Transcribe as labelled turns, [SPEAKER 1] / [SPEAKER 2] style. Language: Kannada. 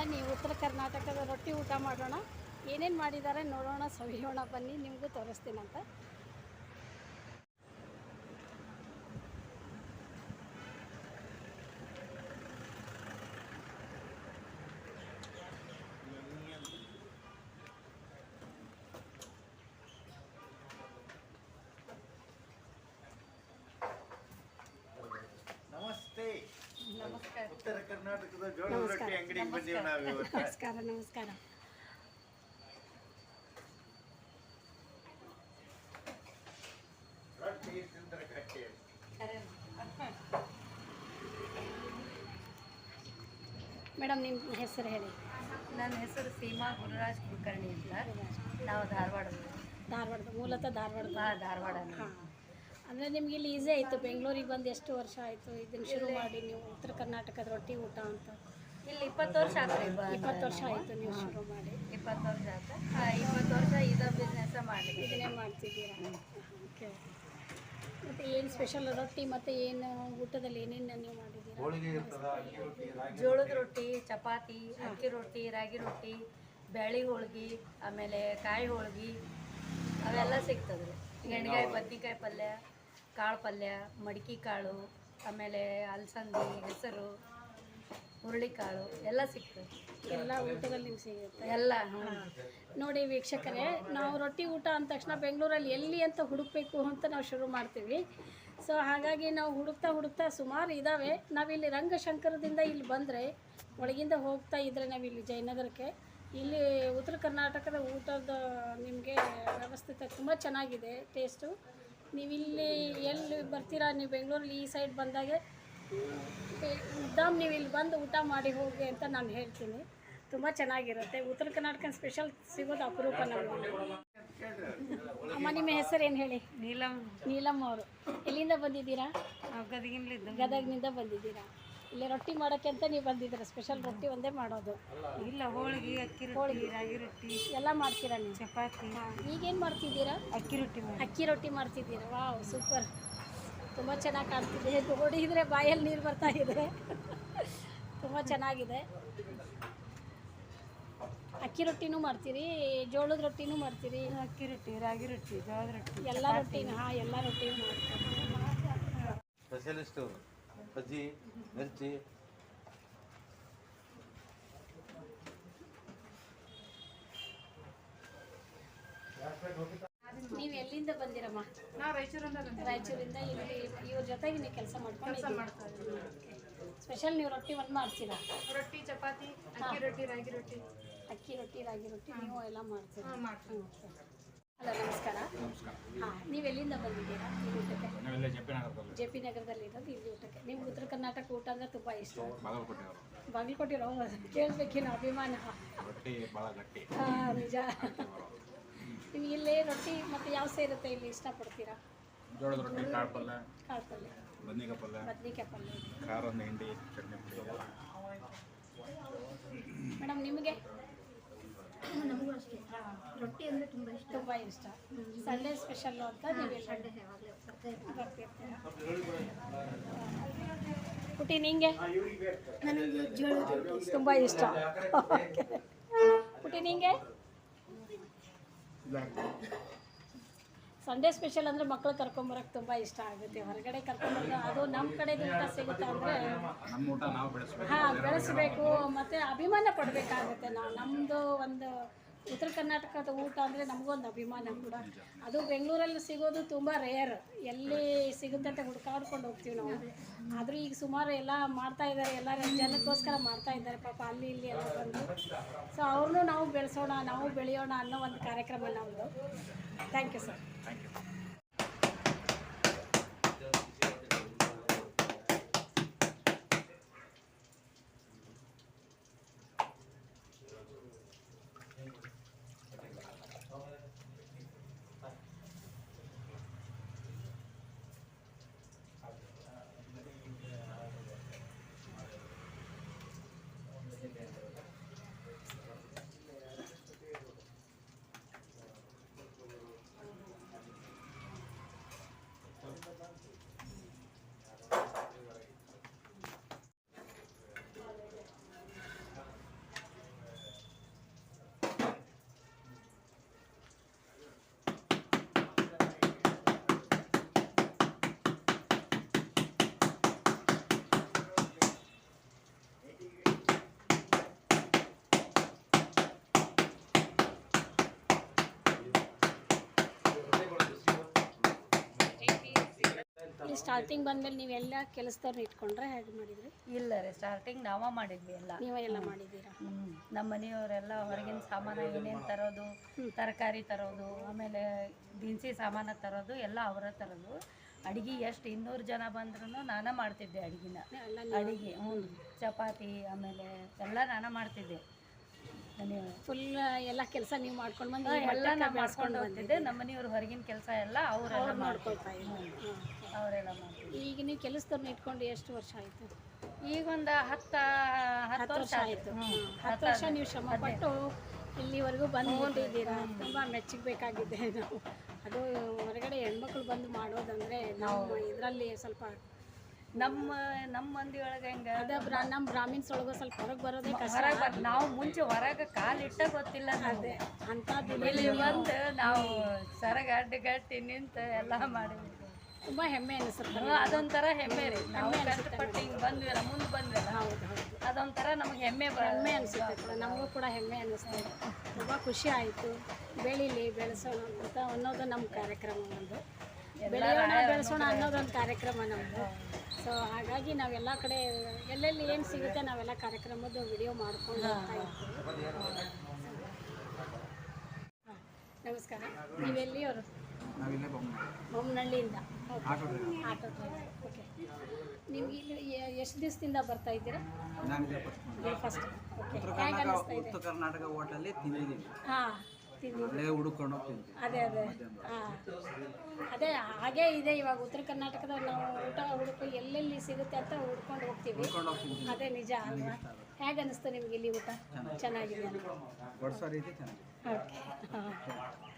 [SPEAKER 1] ಬನ್ನಿ ಉತ್ತರ ಕರ್ನಾಟಕದ ರೊಟ್ಟಿ ಊಟ ಮಾಡೋಣ. ಏನೇನು ಮಾಡಿದ್ದಾರೆ ನೋಡೋಣ, ಸವಿಯೋಣ ಬನ್ನಿ, ನಿಮಗೂ ತೋರಿಸ್ತೀನಂತ.
[SPEAKER 2] ನಮಸ್ತೆ. ಉತ್ತರ ಕರ್ನಾಟಕದ ಜೋಳದ ರೊಟ್ಟಿ ಅಂಗಡಿಗೆ ಬಂದೀವಿ ನಾವು ಇವತ್ತು.
[SPEAKER 1] ನಮಸ್ಕಾರ ನಮಸ್ಕಾರ.
[SPEAKER 2] ರೊಟ್ಟಿ ತಿಂದ್ರೆ ಗಟ್ಟಿ.
[SPEAKER 1] ಮೇಡಮ್ ನಿಮ್ಮ ಹೆಸರು ಹೇಳಿ.
[SPEAKER 3] ನನ್ನ ಹೆಸರು ಸೀಮಾ ಗುರುರಾಜ್ ಕುಲಕರ್ಣಿ ಅಂತ. ನಾವು ಧಾರವಾಡದ
[SPEAKER 1] ಮೂಲತಃ
[SPEAKER 3] ಧಾರವಾಡ.
[SPEAKER 1] ಹಾಂ, ಅಂದರೆ ನಿಮ್ಗೆ ಇಲ್ಲಿ ಈಸಿ ಆಯಿತು. ಬೆಂಗಳೂರಿಗೆ ಬಂದು ಎಷ್ಟು ವರ್ಷ ಆಯಿತು ಇದನ್ನು ಶುರು ಮಾಡಿ ನೀವು ಉತ್ತರ ಕರ್ನಾಟಕದ ರೊಟ್ಟಿ ಊಟ ಅಂತ?
[SPEAKER 3] ಇಲ್ಲಿ 20 ವರ್ಷ ಆಗ್ತದೆ.
[SPEAKER 1] 20 ವರ್ಷ ಆಯಿತು ನೀವು ಶುರು ಮಾಡಿ?
[SPEAKER 3] 20 ವರ್ಷ ಆಯ್ತು. 20 ವರ್ಷ ಇದೇ ಬಿಸ್ನೆಸ್ ಮಾಡಿದ್ವಿ.
[SPEAKER 1] ಇದನ್ನೇ ಮಾಡ್ತಿದ್ದೀರಾ? ಓಕೆ. ಮತ್ತು ಏನು ಸ್ಪೆಷಲ್ ರೊಟ್ಟಿ ಮತ್ತು ಏನು ಊಟದಲ್ಲಿ ಏನೇನು ನೀವು ಮಾಡಿದ್ದೀರಾ?
[SPEAKER 3] ಜೋಳದ ರೊಟ್ಟಿ, ಚಪಾತಿ, ಅಕ್ಕಿ ರೊಟ್ಟಿ, ರಾಗಿ ರೊಟ್ಟಿ, ಬ್ಯಾಳಿ ಹೋಳ್ಗೆ, ಆಮೇಲೆ ಕಾಯಿ ಹೋಳ್ಗೆ ಅವೆಲ್ಲ ಸಿಗ್ತದೆ ರೀ. ಎಣ್ಗಾಯಿ, ಬದ್ನಿಕಾಯಿ ಪಲ್ಯ, ಕಾಳು ಪಲ್ಯ, ಮಡಿಕೆ ಕಾಳು, ಆಮೇಲೆ ಅಲಸಂದಿ, ಹೆಸರು, ಹುರುಳಿಕಾಳು ಎಲ್ಲ ಸಿಗ್ತದೆ.
[SPEAKER 1] ಎಲ್ಲ ಊಟದಲ್ಲಿ ನಿಮ್ಗೆ ಸಿಗುತ್ತೆ
[SPEAKER 3] ಎಲ್ಲ.
[SPEAKER 1] ನೋಡಿ ವೀಕ್ಷಕರೇ, ನಾವು ರೊಟ್ಟಿ ಊಟ ಅಂದ ತಕ್ಷಣ ಬೆಂಗಳೂರಲ್ಲಿ ಎಲ್ಲಿ ಅಂತ ಹುಡುಕಬೇಕು ಅಂತ ನಾವು ಶುರು ಮಾಡ್ತೀವಿ. ಸೊ ಹಾಗಾಗಿ ನಾವು ಹುಡುಕ್ತಾ ಸುಮಾರು ಇದ್ದಾವೆ. ನಾವಿಲ್ಲಿ ರಂಗಶಂಕರದಿಂದ ಇಲ್ಲಿ ಬಂದರೆ ಒಳಗಿಂದ ಹೋಗ್ತಾ ಇದ್ದರೆ ನಾವಿಲ್ಲಿ ಜಯನಗರಕ್ಕೆ, ಇಲ್ಲಿ ಉತ್ತರ ಕರ್ನಾಟಕದ ಊಟದ ನಿಮಗೆ ವ್ಯವಸ್ಥಿತ ತುಂಬ ಚೆನ್ನಾಗಿದೆ ಟೇಸ್ಟು. ನೀವಿಲ್ಲಿ ಎಲ್ಲಿ ಬರ್ತೀರಾ, ನೀವು ಬೆಂಗಳೂರಲ್ಲಿ ಈ ಸೈಡ್ ಬಂದಾಗೆ ಉದ್ದಾಮ್ ನೀವು ಇಲ್ಲಿ ಬಂದು ಊಟ ಮಾಡಿ ಹೋಗಿ ಅಂತ ನಾನು ಹೇಳ್ತೀನಿ. ತುಂಬ ಚೆನ್ನಾಗಿರುತ್ತೆ. ಉತ್ತರ ಕರ್ನಾಟಕ ಸ್ಪೆಷಲ್ ಸಿಗೋದು ಅಪರೂಪ ನಮಗೆ. ಅಮ್ಮ ನಿಮ್ಮ ಹೆಸರು ಏನು ಹೇಳಿ? ನೀಲಮ್ ಅವರು. ಎಲ್ಲಿಂದ ಬಂದಿದ್ದೀರಾ? ಗದಗಿನಿಂದ ಬಂದಿದ್ದೀರಾ. ಇಲ್ಲಿ ರೊಟ್ಟಿ ಮಾಡೋಕ್ಕೆ ಅಂತ ನೀವು ಬಂದಿದ್ದೀರಾ? ಸ್ಪೆಷಲ್ ರೊಟ್ಟಿ ಒಂದೇ ಮಾಡೋದು?
[SPEAKER 3] ಇಲ್ಲ, ಹೋಳಿಗೆ, ಅಕ್ಕಿ ರೊಟ್ಟಿ, ರಾಗಿ ರೊಟ್ಟಿ
[SPEAKER 1] ಎಲ್ಲ ಮಾಡ್ತೀರಾ ನೀವು?
[SPEAKER 3] ಚಪಾತಿ.
[SPEAKER 1] ಈಗೇನು ಮಾಡ್ತಿದ್ದೀರಾ? ಅಕ್ಕಿ ರೊಟ್ಟಿ ಮಾಡ್ತಿದ್ದೀರಾ? Wow, super. ತುಂಬ ಚೆನ್ನಾಗಿ ಕಾಣ್ತಿದೆ. ನೋಡಿದರೆ ಬಾಯಲ್ಲಿ ನೀರು ಬರ್ತಾ ಇದೆ. ತುಂಬ ಚೆನ್ನಾಗಿದೆ. ಅಕ್ಕಿ ರೊಟ್ಟಿನೂ ಮಾಡ್ತೀರಿ, ಜೋಳದ ರೊಟ್ಟಿನೂ ಮಾಡ್ತೀರಿ?
[SPEAKER 3] ಅಕ್ಕಿ ರೊಟ್ಟಿ, ರಾಗಿ ರೊಟ್ಟಿ, ಜೋಳದ ರೊಟ್ಟಿ
[SPEAKER 1] ಎಲ್ಲ ರೊಟ್ಟಿನೂ? ಹಾಂ, ಎಲ್ಲ ರೊಟ್ಟಿನೂ ಮಾಡ್ತೀವಿ.
[SPEAKER 2] ಸ್ಪೆಷಲಿಸ್ಟು ಬಜ್ಜಿ, ಮಿರ್ಚಿ.
[SPEAKER 1] ನೀವು ಎಲ್ಲಿಂದ ಬಂದಿರಮ್ಮ?
[SPEAKER 3] ನಾವು ರಾಯಚೂರಿಂದ.
[SPEAKER 1] ಇಲ್ಲಿ ಇವ್ರ ಜೊತೆಗೆ ನೀವು ಕೆಲಸ ಮಾಡ್ಕೊಂಡು ಸ್ಪೆಷಲ್ ನೀವು ರೊಟ್ಟಿ ಒಂದು ಮಾಡ್ತೀರಾ?
[SPEAKER 3] ರೊಟ್ಟಿ, ಚಪಾತಿ, ಅಕ್ಕಿ ರೊಟ್ಟಿ, ರಾಗಿ ರೊಟ್ಟಿ.
[SPEAKER 1] ಅಕ್ಕಿ ರೊಟ್ಟಿ, ರಾಗಿ ರೊಟ್ಟಿ ನೀವು ಎಲ್ಲ ಮಾಡ್ತೀರಾ? ಹಲೋ, ನಮಸ್ಕಾರ. ಹಾಂ, ನೀವು ಎಲ್ಲಿಂದ ಬಂದಿದ್ದೀರಾ ಈ ಊಟಕ್ಕೆ? ಜೆ ಪಿ ನಗರದಲ್ಲಿ ಇರೋದು ಇಲ್ಲಿ ಊಟಕ್ಕೆ. ನಿಮ್ಗೆ ಉತ್ತರ ಕರ್ನಾಟಕ ಊಟ ಅಂದರೆ ತುಂಬ ಇಷ್ಟ? ಬಾಗಲಕೋಟೆ ಕೇಳಬೇಕೇನು ಅಭಿಮಾನ? ಹಾಂ, ನಿಜ. ನಿಮ್ಗೆ ಇಲ್ಲಿ ರೊಟ್ಟಿ ಮತ್ತು ಯಾವ ಸೇರುತ್ತೆ ಇಲ್ಲಿ ಇಷ್ಟಪಡ್ತೀರಾ?
[SPEAKER 4] ಜೋಳದ ರೊಟ್ಟಿ, ಕಾಳು ಪಲ್ಯ,
[SPEAKER 1] ಬದ್ನಿಕಾಯಿ ಪಲ್ಯ,
[SPEAKER 4] ಖಾರ, ಹಿಂಡಿ, ಚಟ್ನಿ ಪುಡಿ.
[SPEAKER 1] ಮೇಡಮ್ ನಿಮಗೆ?
[SPEAKER 5] ನಮಗೂ ಅಷ್ಟೇ, ರೊಟ್ಟಿ ಅಂದರೆ ತುಂಬ ಇಷ್ಟ.
[SPEAKER 1] ಸಂಡೇ ಸ್ಪೆಷಲ್ಲು ಅಂತ ನೀವು
[SPEAKER 5] ಸಂಡೇ ಯಾವಾಗಲೂ
[SPEAKER 1] ಬರ್ತಿರ್ತೀರಾ? ಪುಟಿ ನಿಂಗೆ?
[SPEAKER 5] ನನಗೆ ಜೋಳದ ರೊಟ್ಟಿ
[SPEAKER 1] ತುಂಬ ಇಷ್ಟ. ಪುಟಿ ನಿಂಗೆ? ಸಂಡೇ ಸ್ಪೆಷಲ್ ಅಂದರೆ ಮಕ್ಕಳು ಕರ್ಕೊಂಬರೋಕ್ಕೆ ತುಂಬ ಇಷ್ಟ ಆಗುತ್ತೆ. ಹೊರಗಡೆ ಕರ್ಕೊಂಬರೋದು ಅದು ನಮ್ಮ ಕಡೆದು ಊಟ ಸಿಗುತ್ತೆ ಅಂದರೆ ಹಾಂ ಬೆಳೆಸಬೇಕು ಮತ್ತು ಅಭಿಮಾನ ಪಡಬೇಕಾಗುತ್ತೆ. ನಮ್ಮದು ಒಂದು ಉತ್ತರ ಕರ್ನಾಟಕದ ಊಟ ಅಂದರೆ ನಮಗೊಂದು ಅಭಿಮಾನ ಕೂಡ. ಅದು ಬೆಂಗಳೂರಲ್ಲಿ ಸಿಗೋದು ತುಂಬ ರೇರ್. ಎಲ್ಲಿ ಸಿಗುತ್ತೆ ಅಂತ ಹುಡ್ಕಾಡ್ಕೊಂಡು ಹೋಗ್ತೀವಿ ನಾವು. ಆದರೂ ಈಗ ಸುಮಾರು ಎಲ್ಲ ಮಾಡ್ತಾ ಇದ್ದಾರೆ, ಎಲ್ಲ ಜನಕ್ಕೋಸ್ಕರ ಮಾಡ್ತಾ ಇದ್ದಾರೆ ಪಾಪ ಅಲ್ಲಿ ಇಲ್ಲಿ ಎಲ್ಲ ಬಂದು. ಸೊ ಅವ್ರನ್ನೂ ನಾವು ಬೆಳೆಸೋಣ, ನಾವು ಬೆಳೆಯೋಣ ಅನ್ನೋ ಒಂದು ಕಾರ್ಯಕ್ರಮ ನಮ್ಮದು. Thank you sir. ಇಲ್ಲಿ ಸ್ಟಾರ್ಟಿಂಗ್ ಬಂದಮೇಲೆ ನೀವೆಲ್ಲ ಕೆಲಸದವ್ರನ್ನ ಇಟ್ಕೊಂಡ್ರೆ ಹೇಗೆ ಮಾಡಿದ್ರಿ?
[SPEAKER 3] ಇಲ್ಲ ರೀ, ಸ್ಟಾರ್ಟಿಂಗ್ ನಾವ ಮಾಡಿದ್ವಿ ಎಲ್ಲ.
[SPEAKER 1] ನೀವೇ ಎಲ್ಲ ಮಾಡಿದ್ದೀರಾ?
[SPEAKER 3] ನಮ್ಮ ಮನೆಯವರೆಲ್ಲ ಹೊರಗಿನ ಸಾಮಾನು ಏನೇನು ತರೋದು, ತರಕಾರಿ ತರೋದು, ಆಮೇಲೆ ದಿನಸಿ ಸಾಮಾನು ತರೋದು ಎಲ್ಲ ಅವರ ತರೋದು. ಅಡುಗೆ ಎಷ್ಟು 200 ಜನ ಬಂದ್ರೂ ನಾನೇ ಮಾಡ್ತಿದ್ದೆ ಅಡುಗೆನ. ಅಡುಗೆ ಚಪಾತಿ ಆಮೇಲೆ ಎಲ್ಲ ನಾನೇ ಮಾಡ್ತಿದ್ದೆ.
[SPEAKER 1] ಫುಲ್ ಎಲ್ಲ ಕೆಲಸ ನೀವು ಮಾಡ್ಕೊಂಡು ಬಂದು
[SPEAKER 3] ಎಲ್ಲ ನಾನು ಮಾಡ್ಕೊಂಡು ಹೋಗ್ತಿದ್ದೆ. ನಮ್ಮ ಮನೆಯವ್ರು ಹೊರಗಿನ ಕೆಲಸ ಎಲ್ಲ ಅವರೆಲ್ಲ
[SPEAKER 1] ಮಾಡ್ಕೊಳ್ತಾ ಇದ್ರು.
[SPEAKER 3] ಅವರೆಲ್ಲ ಮಾಡ್ತಿದ್ದೆ.
[SPEAKER 1] ಈಗ ನೀವು ಕೆಲಸದವ್ರನ್ನ ಇಟ್ಕೊಂಡು ಎಷ್ಟು ವರ್ಷ ಆಯಿತು?
[SPEAKER 3] ಈಗ ಒಂದು 10 ವರ್ಷ
[SPEAKER 1] ಆಯಿತು. 10 ವರ್ಷ ನೀವು ಶ್ರಮಪಟ್ಟು ಇಲ್ಲಿವರೆಗೂ ಬಂದು ಹೊಂಟಿದ್ದೀರಾ. ತುಂಬ ಮೆಚ್ಚಬೇಕಾಗಿದೆ ನಾವು. ಅದು ಹೊರಗಡೆ ಹೆಣ್ಮಕ್ಳು ಬಂದು ಮಾಡೋದಂದರೆ ನಾವು ಇದರಲ್ಲಿ ಸ್ವಲ್ಪ
[SPEAKER 3] ನಮ್ಮ ಮಂದಿ ಒಳಗೆ ಹೆಂಗೆ
[SPEAKER 1] ಅದೇ ನಮ್ಮ ಬ್ರಾಹ್ಮಿನ್ಸ್ ಒಳಗೆ ಸ್ವಲ್ಪ ಹೊರಗೆ ಬರೋದೇ ಕಷ್ಟ.
[SPEAKER 3] ನಾವು ಮುಂಚೆ ಹೊರಗೆ ಕಾಲಿಟ್ಟ ಗೊತ್ತಿಲ್ಲ.
[SPEAKER 1] ಅದೇ ಅಂಥದ್ದು
[SPEAKER 3] ಇಲ್ಲಿ ಬಂದು ನಾವು ಸರಗ ಅಡ್ಡಗಟ್ಟಿ ನಿಂತು ಎಲ್ಲ ಮಾಡಿದ್ವಿ.
[SPEAKER 1] ತುಂಬ ಹೆಮ್ಮೆ ಅನಿಸುತ್ತೆ.
[SPEAKER 3] ಅದೊಂಥರ ಹೆಮ್ಮೆ ರೀ. ನಾವು ಕಷ್ಟಪಟ್ಟು ಹಿಂಗೆ ಬಂದ್ವಲ್ಲ, ಮುಂದೆ ಬಂದ್ವಲ್ಲ, ಅದೊಂಥರ ನಮಗೆ ಹೆಮ್ಮೆ
[SPEAKER 1] ಅನಿಸುತ್ತೆ ಕೂಡ. ನಮಗೂ ಕೂಡ ಹೆಮ್ಮೆ ಅನ್ನಿಸ್ತದೆ. ತುಂಬ ಖುಷಿ ಆಯಿತು. ಬೆಳೀಲಿ, ಬೆಳೆಸೋಣ ಅಂತ ಅನ್ನೋದು ನಮ್ಮ ಕಾರ್ಯಕ್ರಮ. ಒಂದು ಬೆಳೆಯೋಣ ಬೆಳೆಸೋಣ ಅನ್ನೋದೊಂದು ಕಾರ್ಯಕ್ರಮ ನಮ್ಮದು. ಸೊ ಹಾಗಾಗಿ ನಾವೆಲ್ಲ ಕಡೆ ಎಲ್ಲೆಲ್ಲಿ ಏನು ಸಿಗುತ್ತೆ ನಾವೆಲ್ಲ ಕಾರ್ಯಕ್ರಮದ್ದು ವಿಡಿಯೋ ಮಾಡ್ಕೊಂಡು ಹೋಗ್ತಾ ಇರ್ತೀವಿ. ಹಾಂ, ನಮಸ್ಕಾರ. ನೀವೆಲ್ಲಿಯವರು?
[SPEAKER 4] ನಾವಿಲ್ಲೇ
[SPEAKER 1] ಬೊಮ್ಮನಹಳ್ಳಿಯಿಂದ.
[SPEAKER 4] Auto driver.
[SPEAKER 1] Auto driver. Okay. ನಿಮ್ಗೆ ಇಲ್ಲಿ ಎಷ್ಟು ದಿವಸದಿಂದ ಬರ್ತಾ ಇದ್ದೀರಾ?
[SPEAKER 4] ನಾನಿದೆ
[SPEAKER 1] ಫಸ್ಟ್. ಓಕೆ.
[SPEAKER 4] ಉತ್ತರ
[SPEAKER 1] ಹೇಗೆ ಅನಿಸ್ತಾ ಇದೆ?
[SPEAKER 4] ಕರ್ನಾಟಕ ಹೋಟೆಲ್ಲಿ ತಿಂದಿದ್ದೀನಿ.
[SPEAKER 1] ಹಾಂ, ತಿಂದಿದ್ದೀನಿ.
[SPEAKER 4] ಅಲ್ಲೇ ಹುಡುಕೊಂಡು ಹೋಗ್ತೀನಿ.
[SPEAKER 1] ಅದೇ ಹಾಂ, ಅದೇ ಹಾಗೇ ಇದೆ. ಇವಾಗ ಉತ್ತರ ಕರ್ನಾಟಕದ ನಾವು ಊಟ ಹುಡುಕು ಎಲ್ಲೆಲ್ಲಿ ಸಿಗುತ್ತೆ ಅಂತ ಹುಡ್ಕೊಂಡು ಹೋಗ್ತೀವಿ. ಅದೇ ನಿಜ ಅಲ್ವಾ? ಹೇಗೆ ಅನಿಸ್ತು ನಿಮ್ಗೆ ಇಲ್ಲಿ ಊಟ? ಚೆನ್ನಾಗಿದೆ.
[SPEAKER 4] ಬಡ್ಸೋ ರೀತಿ ಚೆನ್ನಾಗಿದೆ.
[SPEAKER 1] ಓಕೆ. ಹಾಂ.